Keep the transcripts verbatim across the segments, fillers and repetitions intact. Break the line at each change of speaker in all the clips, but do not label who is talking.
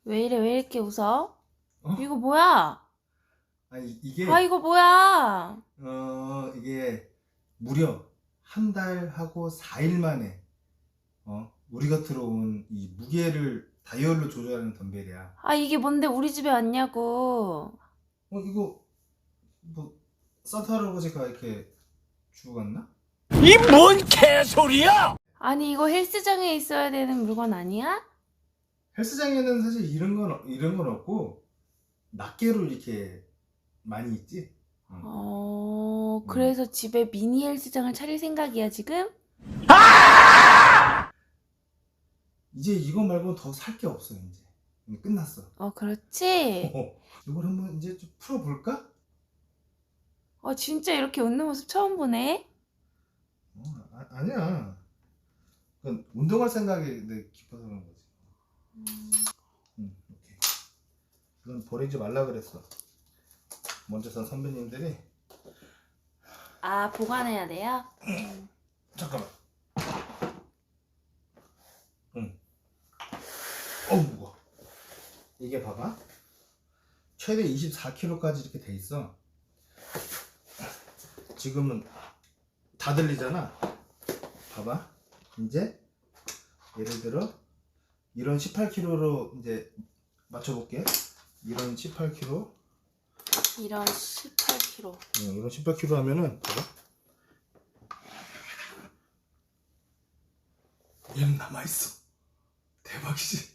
왜 이래, 왜 이렇게 웃어?
어?
이거 뭐야?
아니 이게
아, 이거 뭐야?
어 이게 무려 한 달하고 사 일 만에 어 우리가 들어온 이 무게를 다이얼로 조절하는 덤벨이야.
아, 이게 뭔데 우리 집에 왔냐고.
어 이거 뭐 산타 할아버지가 이렇게 주고 갔나?
이 뭔 개소리야!
아니, 이거 헬스장에 있어야 되는 물건 아니야?
헬스장에는 사실 이런 건 없- 이런 건 없고 낱개로 이렇게 많이 있지. 응.
어,
음.
그래서 집에 미니 헬스장을 차릴 생각이야, 지금?
이제 이거 말고는 더 살 게 없어. 이제 이제 끝났어.
어, 그렇지?
어, 이걸 한번 이제 좀 풀어볼까?
어, 진짜 이렇게 웃는 모습 처음 보네?
어, 아, 아니야. 그건 운동할 생각이 내 깊어서 그런 거지. 응, 이렇게. 이건 버리지 말라 그랬어. 먼저 산 선배님들이.
아, 보관해야 돼요?
잠깐만. 응. 어우, 무거워. 이게 봐봐. 최대 이십사 킬로그램까지 이렇게 돼 있어. 지금은 다 들리잖아. 봐봐. 이제 예를 들어 이런 십팔 킬로그램로 이제 맞춰볼게. 이런 십팔 킬로그램,
이런 십팔 킬로그램.
응, 이런 십팔 킬로그램 하면은 봐봐. 얘는 남아있어. 대박이지?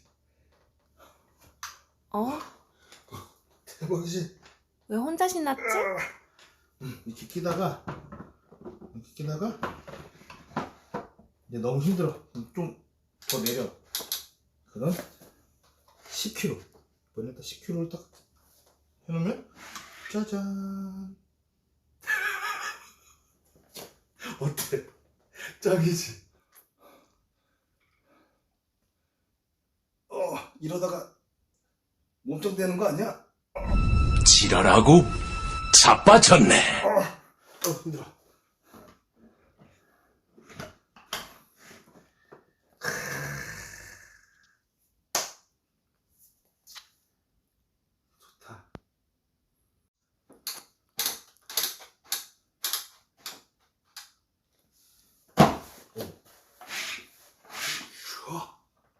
어?
대박이지?
왜 혼자 신났지?
응, 이렇게 끼다가 이렇게 끼다가 이제 너무 힘들어. 좀 더 내려. 그럼 십 킬로그램. 이번에 딱 십 킬로그램을 딱 해놓으면 짜잔. 어때? 짱이지? 어, 이러다가 몸짱 되는 거 아니야?
지랄하고 자빠졌네.
어, 어 힘들어. 좋다. 오.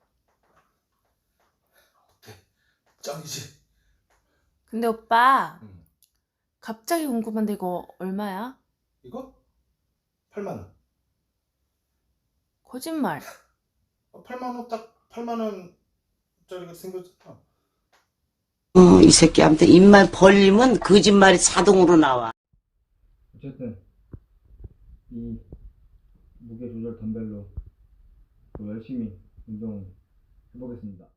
어때? 짱이지?
근데 오빠,
응.
갑자기 궁금한데 이거 얼마야?
이거? 팔만 원.
거짓말.
팔만 원 딱 팔만 원짜리가 생겼잖아.
어, 이 새끼한테 입만 벌리면 거짓말이 자동으로 나와.
어쨌든 이 무게 조절 덤벨로 또 열심히 운동 해보겠습니다.